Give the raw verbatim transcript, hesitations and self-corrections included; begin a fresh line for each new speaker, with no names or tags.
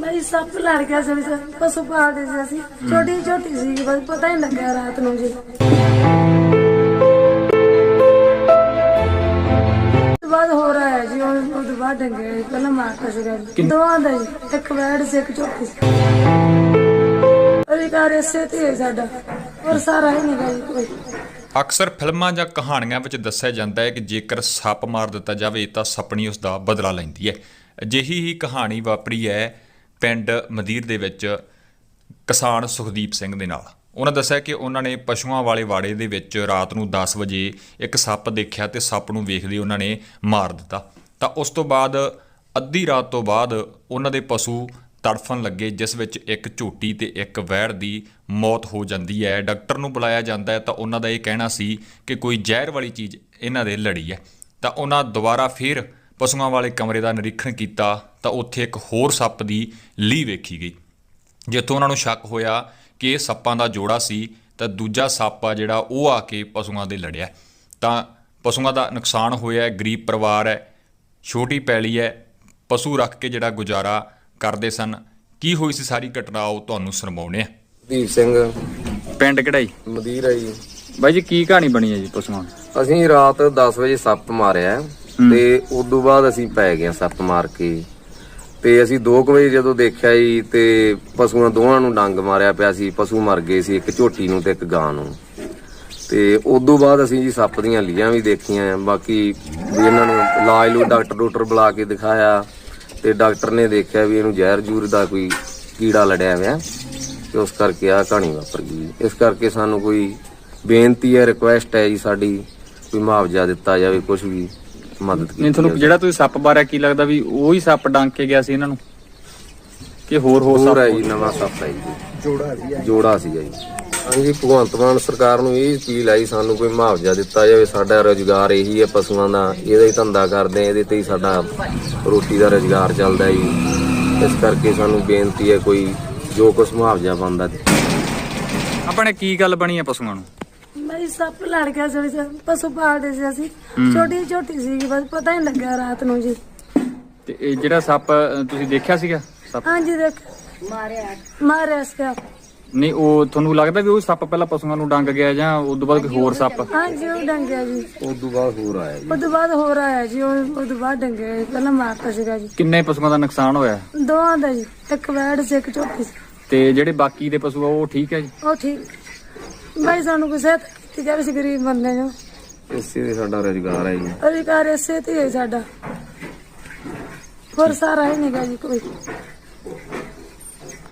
भाई सप लड़ गया ਸੀ ਪਸ਼ੂ ਪਾਲਦੇ ਸੀ ਅਸੀਂ ਛੋਟੀ ਛੋਟੀ ਸੀ ਬਸ ਪਤਾ ਹੀ ਲੱਗਿਆ ਰਾਤ ਨੂੰ ਜੀ ਬਾਅਦ ਹੋ ਰਿਹਾ ਹੈ ਜੀ ਉਹ ਬਾਅਦ ਡੰਗੇ ਪਹਿਲਾਂ ਮਾਰਤਾ ਸੀ ਦੋਵਾਂ ਦਾ ਜੀ ਇੱਕ ਵੈੜ ਸੀ ਇੱਕ ਝੋਟੀ ਸੀ ਅਧਿਕਾਰ ਇਸੇ ਤੇ ਹੈ ਸਾਡਾ ਔਰ ਸਾਰਾ ਹੀ ਨਹੀਂ ਗਈ ਕੋਈ।
ਅਕਸਰ ਫਿਲਮਾਂ ਜਾਂ ਕਹਾਣੀਆਂ ਵਿੱਚ ਦੱਸਿਆ ਜਾਂਦਾ ਹੈ ਕਿ ਜੇਕਰ ਸੱਪ ਮਾਰ ਦਿੱਤਾ ਜਾਵੇ ਤਾਂ ਸੱਪਣੀ ਉਸ ਦਾ ਬਦਲਾ ਲੈਂਦੀ ਹੈ। ਅਜਿਹੀ ਹੀ ਕਹਾਣੀ ਵਾਪਰੀ ਹੈ ਪਿੰਡ ਮਦੀਰ ਦੇ ਵਿੱਚ ਕਿਸਾਨ ਸੁਖਦੀਪ ਸਿੰਘ ਦੇ ਨਾਲ। ਉਹਨਾਂ ਦੱਸਿਆ ਕਿ ਉਹਨਾਂ ਨੇ ਪਸ਼ੂਆਂ ਵਾਲੇ ਵਾੜੇ ਦੇ ਵਿੱਚ ਰਾਤ ਨੂੰ ਦਸ ਵਜੇ ਇੱਕ ਸੱਪ ਦੇਖਿਆ ਤੇ ਸੱਪ ਨੂੰ ਵੇਖਦੇ ਉਹਨਾਂ ਨੇ ਮਾਰ ਦਿੱਤਾ। ਤਾਂ ਉਸ ਤੋਂ ਬਾਅਦ ਅੱਧੀ ਰਾਤ ਤੋਂ ਬਾਅਦ ਉਹਨਾਂ ਦੇ ਪਸ਼ੂ ਤੜਫਣ ਲੱਗੇ, ਜਿਸ ਵਿੱਚ ਇੱਕ ਝੋਟੀ ਤੇ ਇੱਕ ਵੈੜ ਦੀ ਮੌਤ ਹੋ ਜਾਂਦੀ ਹੈ। ਡਾਕਟਰ ਨੂੰ ਬੁਲਾਇਆ ਜਾਂਦਾ ਹੈ ਤਾਂ ਉਹਨਾਂ ਦਾ ਇਹ ਕਹਿਣਾ ਸੀ ਕਿ ਕੋਈ ਜ਼ਹਿਰ ਵਾਲੀ ਚੀਜ਼ ਇਹਨਾਂ ਦੇ ਲੜੀ ਹੈ। ਤਾਂ ਉਹਨਾਂ ਦੁਬਾਰਾ ਫਿਰ ਪਸ਼ੂਆਂ ਵਾਲੇ ਕਮਰੇ ਦਾ ਨਿਰੀਖਣ ਕੀਤਾ ਤਾਂ ਉੱਥੇ ਇੱਕ ਹੋਰ ਸੱਪ ਦੀ ਲੀਹ ਵੇਖੀ ਗਈ, ਜਿੱਥੋਂ ਉਹਨਾਂ ਨੂੰ ਸ਼ੱਕ ਹੋਇਆ ਕਿ ਇਹ ਸੱਪਾਂ ਦਾ ਜੋੜਾ ਸੀ। ਤਾਂ ਦੂਜਾ ਸੱਪ ਆ ਜਿਹੜਾ ਉਹ ਆ ਕੇ ਪਸ਼ੂਆਂ ਦੇ ਲੜਿਆ। ਤਾਂ ਪਸ਼ੂਆਂ ਦਾ ਨੁਕਸਾਨ ਹੋਇਆ। ਗਰੀਬ ਪਰਿਵਾਰ ਹੈ, ਛੋਟੀ ਪੈਲੀ ਹੈ, ਪਸ਼ੂ ਰੱਖ ਕੇ ਜਿਹੜਾ ਗੁਜ਼ਾਰਾ ਕਰਦੇ ਸਨ। ਕੀ ਹੋਈ ਸੀ ਸਾਰੀ ਘਟਨਾ ਉਹ ਤੁਹਾਨੂੰ ਸੁਣਾਉਣੇ ਆ।
ਦੀਪ ਸਿੰਘ
ਪਿੰਡ ਕਿਹੜਾ
ਮਦੀਰ ਹੈ ਜੀ।
ਬਾਈ ਜੀ ਕੀ ਕਹਾਣੀ ਬਣੀ ਹੈ ਜੀ ਪਸ਼ੂਆਂ?
ਅਸੀਂ ਰਾਤ ਦਸ ਵਜੇ ਸੱਪ ਮਾਰਿਆ ਤੇ ਉਦੋਂ ਬਾਅਦ ਅਸੀਂ ਪੈ ਗਏ ਸੱਪ ਮਾਰ ਕੇ ਤੇ ਅਸੀਂ ਦੋ ਕੁ ਵਜੇ ਜਦੋਂ ਦੇਖਿਆ ਜੀ ਤੇ ਪਸ਼ੂਆਂ ਦੋਵਾਂ ਨੂੰ ਡੰਗ ਮਾਰਿਆ ਪਿਆ ਸੀ। ਪਸ਼ੂ ਮਰ ਗਏ ਸੀ, ਇੱਕ ਝੋਟੀ ਨੂੰ ਤੇ ਇੱਕ ਗਾਂ ਨੂੰ। ਤੇ ਉਦੋਂ ਬਾਅਦ ਅਸੀਂ ਜੀ ਸੱਪ ਦੀਆਂ ਲੀਆਂ ਵੀ ਦੇਖੀਆਂ। ਬਾਕੀ ਵੀ ਇਹਨਾਂ ਨੂੰ ਇਲਾਜ ਲੂ ਡਾਕਟਰ ਡਾਕਟਰ ਬੁਲਾ ਕੇ ਦਿਖਾਇਆ ਤੇ ਡਾਕਟਰ ਨੇ ਦੇਖਿਆ ਵੀ ਇਹਨੂੰ ਜ਼ਹਿਰ ਜੂਰ ਦਾ ਕੋਈ ਕੀੜਾ ਲੜਿਆ ਹੋਇਆ ਤੇ ਉਸ ਕਰਕੇ ਆਹ ਕਹਾਣੀ ਵਾਪਰ ਗਈ। ਇਸ ਕਰਕੇ ਸਾਨੂੰ ਕੋਈ ਬੇਨਤੀ ਹੈ, ਰਿਕੁਐਸਟ ਹੈ ਜੀ ਸਾਡੀ, ਕੋਈ ਮੁਆਵਜ਼ਾ ਦਿੱਤਾ ਜਾਵੇ, ਕੁਝ ਵੀ ਮਦਦ ਕੀਤੀ।
ਨਹੀਂ ਤੁਹਾਨੂੰ ਜਿਹੜਾ ਤੁਸੀਂ ਸੱਪ ਬਾਰੇ ਕੀ ਲੱਗਦਾ ਵੀ ਉਹੀ ਸੱਪ ਡੰਗ ਕੇ ਗਿਆ ਸੀ ਇਹਨਾਂ ਨੂੰ ਕਿ ਹੋਰ ਹੋਰ
ਹੋਰ
ਸੱਪ
ਹੈ ਜੀ? ਨਵਾਂ ਸੱਪ ਹੈ ਜੀ, ਜੋੜਾ ਸੀ ਜੋੜਾ ਸੀਗਾ ਜੀ। ਹਾਂਜੀ, ਭਗਵੰਤ ਮਾਨ ਸਰਕਾਰ ਨੂੰ ਇਹ ਅਪੀਲ ਆਈ ਸਾਨੂੰ ਕੋਈ ਮੁਆਵਜ਼ਾ ਦਿੱਤਾ ਜਾਵੇ। ਸਾਡਾ ਰੁਜ਼ਗਾਰ ਇਹੀ ਹੈ ਪਸ਼ੂਆਂ ਦਾ, ਇਹਦਾ ਹੀ ਧੰਦਾ ਕਰਦੇ ਆ, ਇਹਦੇ ਤੇ ਹੀ ਸਾਡਾ ਰੋਟੀ ਦਾ ਰੁਜ਼ਗਾਰ ਚੱਲਦਾ ਜੀ। ਇਸ ਕਰਕੇ ਸਾਨੂੰ ਬੇਨਤੀ ਹੈ ਕੋਈ ਜੋ ਕੁਛ ਮੁਆਵਜ਼ਾ ਬਣਦਾ।
ਆਪਣੇ ਕੀ ਗੱਲ ਬਣੀ ਹੈ ਪਸ਼ੂਆਂ ਨੂੰ?
भाई सप लड़ गया ਸੀ ਪਸ਼ੂ ਪਾਲਦੇ ਸੀ ਅਸੀਂ ਛੋਟੀ ਛੋਟੀ ਸੀ ਬਸ ਪਤਾ ਹੀ ਲੱਗਿਆ ਰਾਤ ਨੂੰ ਜੀ।
ਤੇ ਇਹ ਜਿਹੜਾ ਸੱਪ ਤੁਸੀਂ ਦੇਖਿਆ ਸੀਗਾ ਸੱਪ?
ਹਾਂਜੀ ਦੇਖ ਮਾਰਿਆ ਮਾਰਿਆ ਸੀ।
ਨਹੀਂ ਉਹ ਤੁਹਾਨੂੰ ਲੱਗਦਾ ਵੀ ਉਹ ਸੱਪ ਪਹਿਲਾਂ ਪਸ਼ੂਆਂ ਨੂੰ ਡੰਗ ਗਿਆ ਜਾਂ ਉਸ ਤੋਂ ਬਾਅਦ ਕੋਈ ਹੋਰ ਸੱਪ?
ਹਾਂਜੀ ਉਹ ਡੰਗਿਆ ਜੀ।
ਉਸ ਤੋਂ ਬਾਅਦ ਹੋਰ ਆਇਆ ਜੀ।
ਉਸ ਤੋਂ ਬਾਅਦ ਹੋਰ ਆਇਆ ਜੀ ਉਹ ਤੋਂ ਬਾਅਦ ਡੰਗੇ ਪਹਿਲਾਂ ਮਾਰਤਾ ਸੀਗਾ ਜੀ।
ਕਿੰਨੇ ਪਸ਼ੂਆਂ ਦਾ ਨੁਕਸਾਨ ਹੋਇਆ?
ਦੋਵਾਂ ਦਾ ਜੀ, ਇੱਕ ਵੈੜ ਸੀ ਇੱਕ ਝੋਟੀ ਸੀ।
ਤੇ ਜਿਹੜੇ ਬਾਕੀ ਦੇ ਪਸ਼ੂ ਆ ਉਹ ਠੀਕ ਹੈ ਜੀ?
ਉਹ ਠੀਕ। ਭਾਈ ਸਾਨੂੰ ਕੋਈ ਸਹਾਇਤਾ ਕੀਤੀ ਜਾਵੇ, ਅਸੀਂ ਗਰੀਬ ਬੰਦੇ ਜੋ
ਇਸੇ ਦੇ ਸਾਡਾ ਰੁਜ਼ਗਾਰ ਹੈ ਜੀ।
ਅਧਿਕਾਰ ਇਸੇ ਤੇ ਹੈ ਸਾਡਾ, ਹੋਰ ਸਾਰਾ ਹੀ ਨਹੀਂ ਗਾ ਜੀ ਕੋਈ।